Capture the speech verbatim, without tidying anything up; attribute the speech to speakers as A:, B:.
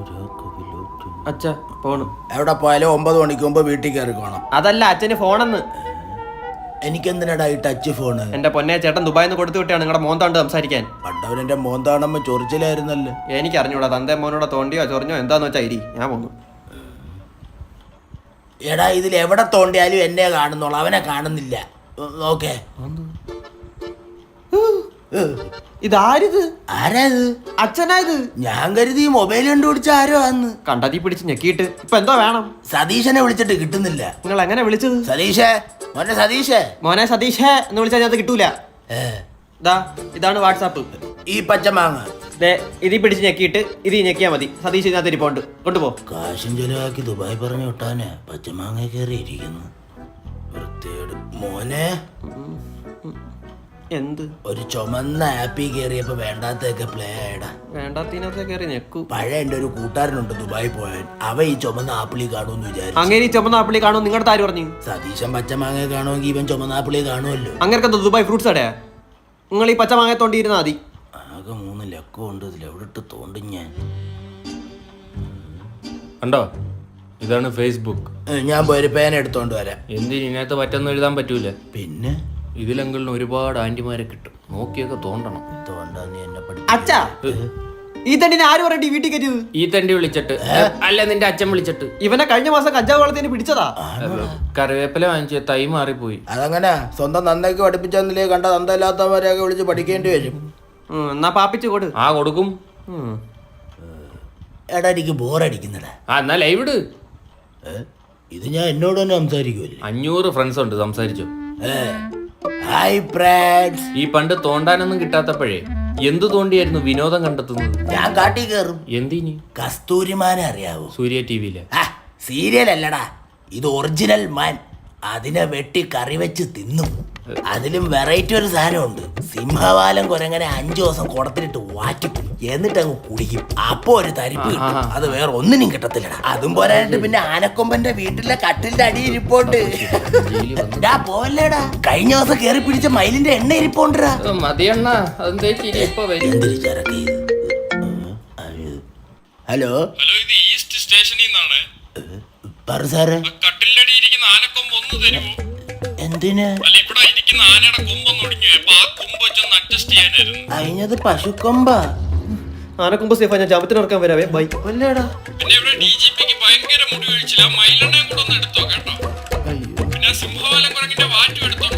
A: അച്ഛാ ഫോണ്
B: എവിടെ പോയാലും ഒമ്പത് മണിക്ക് മുമ്പ് വീട്ടിൽ കയറി കാണാം.
A: അതല്ല അച്ഛന് ഫോണെന്ന്.
B: എനിക്കെന്തിനാടാ ഈ ടച്ച് ഫോണ്?
A: എന്റെ പൊന്നെ ചേട്ടൻ ദുബായിന്ന് കൊടുത്തു വിട്ടാണ് നിങ്ങളുടെ മോന്താണ്ട് സംസാരിക്കാൻ.
B: പണ്ടവനെന്റെ മോന്താണമ്മ ചൊറിച്ചിലായിരുന്നല്ലേ.
A: എനിക്ക് അറിഞ്ഞൂടാ, തന്റെ മോനോടെ തോണ്ടിയോ ചൊറിഞ്ഞോ എന്താന്ന് വെച്ചാ ഇരി, ഞാൻ പോന്നു.
B: എടാ ഇതിൽ എവിടെ തോണ്ടിയാലും എന്നെ കാണുന്നുള്ളു, അവനെ കാണുന്നില്ല. ഓക്കെ
A: ഇതാരിത്?
B: ആരാത്?
A: അച്ഛനായത്?
B: ഞാൻ കരുതി മൊബൈൽ കണ്ടുപിടിച്ച ആരോ ആന്ന്.
A: കണ്ടതി പിടിച്ച് ഞെക്കിയിട്ട് ഇപ്പൊ എന്തോ വേണം?
B: സതീശനെ വിളിച്ചിട്ട് കിട്ടുന്നില്ല.
A: നിങ്ങൾ എങ്ങനെ വിളിച്ചത്?
B: സതീഷേ മോനെ സതീഷേ
A: മോനെ സതീഷേ എന്ന് വിളിച്ചാൽ അത് കിട്ടൂല. ദാ ഇതാണ് വാട്സാപ്പ്.
B: ഈ പച്ചമാങ്ങ
A: ദേ ഇതി പിടിച്ച് ഞെക്കിയിട്ട് ഇത് ഞെക്കിയാ മതി. സതീഷ് ഇതിനകത്ത് ഇരിപ്പുണ്ട്, കൊണ്ടുപോ.
B: കാശും ചെലവാക്കി ദുബായ് പറഞ്ഞു വിട്ടാനെ പച്ചമാങ്ങ കയറി ഇരിക്കുന്നു. വൃത്തിയേട് മോനെ.
A: എന്ത്?
B: ഒരു ചുമന്ന ആപ്പി കയറിയപ്പോ വേണ്ടാത്തൊക്കെ പ്ലേ ആയടാ.
A: വേണ്ടാത്തതിനൊക്കെ കയറി ഞെക്കൂ.
B: പഴയ എന്റെ ഒരു കൂട്ടുകാരനുണ്ട് ദുബായി പോയാൻ, അവ ഈ ചുമന്ന ആപ്പിളി കാണുമെന്ന് വിചാരിച്ചു.
A: അങ്ങനെ ഈ ചുമന്ന ആപ്പിളി കാണും നിങ്ങളുടെ ആര് പറഞ്ഞു?
B: സതീശൻ പച്ചമാങ്ങ കാണുമെങ്കിൽ ഇവൻ ചുമന്ന ആപ്പിളി കാണുമല്ലോ.
A: അങ്ങനെ ദുബായ് ഫ്രൂട്ട്സ് അടയാ. നിങ്ങൾ ഈ പച്ചമാങ്ങ തോണ്ടിയിരുന്നാ മതി.
B: ആകെ മൂന്ന് ലക്കം ഉണ്ട്, ഇതിൽ എവിടെ ഇട്ട് തോണ്ടും ഞാൻ.
C: കണ്ടോ, ഇതാണ് ഫേസ്ബുക്ക്.
B: ഞാൻ പോയൊരു പേന എടുത്തോണ്ട് വരാം.
C: എന്തിന് ഇതിനകത്ത് പറ്റൊന്നും എഴുതാൻ പറ്റൂല.
B: പിന്നെ
C: ഇതിലെങ്കിലും ഒരുപാട് ആന്റിമാരെ കിട്ടും, നോക്കിയൊക്കെ തോണ്ടണം.
B: തോണ്ടാ നീ എന്നെ പഠി.
A: അച്ഛാ ഈ തണ്ടിനെ ആര് പറഞ്ഞിട്ട് ഈ വീട്ടിൽ കയറ്റിയത്?
C: ഈ തണ്ടി വിളിച്ചിട്ട് അല്ല നിന്റെ അച്ഛൻ വിളിച്ചിട്ട്.
A: ഇവനെ കഴിഞ്ഞ മാസം കഞ്ചാവ് വളത്തിന് പിടിച്ചതാ.
C: കറിവേപ്പില വാങ്ങിച്ച തൈ മാറിപ്പോയി.
B: അതങ്ങനെ സ്വന്തം നന്ദയ്ക്ക് പഠിപ്പിച്ചെന്നില്ലേ കണ്ട നന്ദയില്ലാത്തവരെയൊക്കെ വിളിച്ച് പഠിക്കേണ്ടി വരും.
A: എന്നാ പാപ്പിച്ചു കൊടു.
C: ആ കൊടുക്കും.
B: എടാ എനിക്ക് ബോറടിക്കുന്നടാ.
C: ആ എന്നാ ലൈവ് ഇട്.
B: ഇത് ഞാൻ എന്നോട് തന്നെ സംസാരിക്കുമല്ലേ.
C: അഞ്ഞൂറ് ഫ്രണ്ട്സ് ഉണ്ട്, സംസാരിച്ചോ.
B: Hi friends.
C: ഈ പണ്ട് തോണ്ടാനൊന്നും കിട്ടാത്തപ്പോഴേ എന്തു തോണ്ടിയായിരുന്നു വിനോദം കണ്ടെത്തുന്നത്?
B: ഞാൻ കാട്ടി കയറും.
C: എന്തിനി?
B: കസ്തൂരിമാനെ അറിയാവോ?
C: സൂര്യ ടി വിയിലെ
B: സീരിയൽ അല്ലടാ, ഇത് ഒറിജിനൽ മാൻ. അതിനെ വെട്ടി കറി വെച്ച് തിന്നും. അതിലും വെറൈറ്റി ഒരു സാധനമുണ്ട്. സിംഹവാലം കുരങ്ങനെ അഞ്ചു ദിവസം കുടത്തിലിട്ട് വാറ്റിക്കും, എന്നിട്ട് അങ്ങ് കുടിക്കും. അപ്പൊ ഒരു തരിപ്പ് കിട്ടും, അത് വേറെ ഒന്നിനും കിട്ടത്തില്ലടാ. അതും പോരായിട്ട് പിന്നെ ആനക്കൊമ്പന്റെ വീട്ടിലെ കട്ടിലിന്റെ അടി ഇരിപ്പോണ്ട്. പോവല്ലേടാ, കഴിഞ്ഞ ദിവസം കേറി പിടിച്ച മയിലിന്റെ എണ്ണ ഇരിപ്പോണ്ടാ. ഹലോ
C: ഹലോ, ഇത് ഈസ്റ്റ് സ്റ്റേഷനിൽ നിന്നാണ്.
B: പറ സാറേ.
C: കട്ടിലടി ഇരിക്കുന്ന ആനക്കൊമ്പ് ഒന്ന് തരുമോ?
B: എന്തിന്?
C: അല്ല, ഇവിടെ ഇരിക്കുന്ന ആനയുടെ കൊമ്പൊന്ന് ഒടിഞ്ഞു, അപ്പൊ ആ കൊമ്പ് വെച്ചൊന്ന് അഡ്ജസ്റ്റ് ചെയ്യാനായിരുന്നു.
B: അയിഞ്ഞത് പശുക്കൊമ്പാ.
A: ആനക്കൊമ്പ് സേഫാ, ഞാൻ ജാമത്തിന് ഇറക്കാൻ വരാവേ. ബൈ.
B: അല്ലേടാ,
C: പിന്നെ ഇവിടെ ഡി ജി പിക്ക് ഭയങ്കര മുടി വീഴ്ചില്ല, മയിലെണ്ണയും കൂടെ ഒന്ന് എടുത്തോ കേട്ടോ. പിന്നെ സിംഹവാലം കുരങ്ങിന്റെ വാറ്റും എടുത്തോ.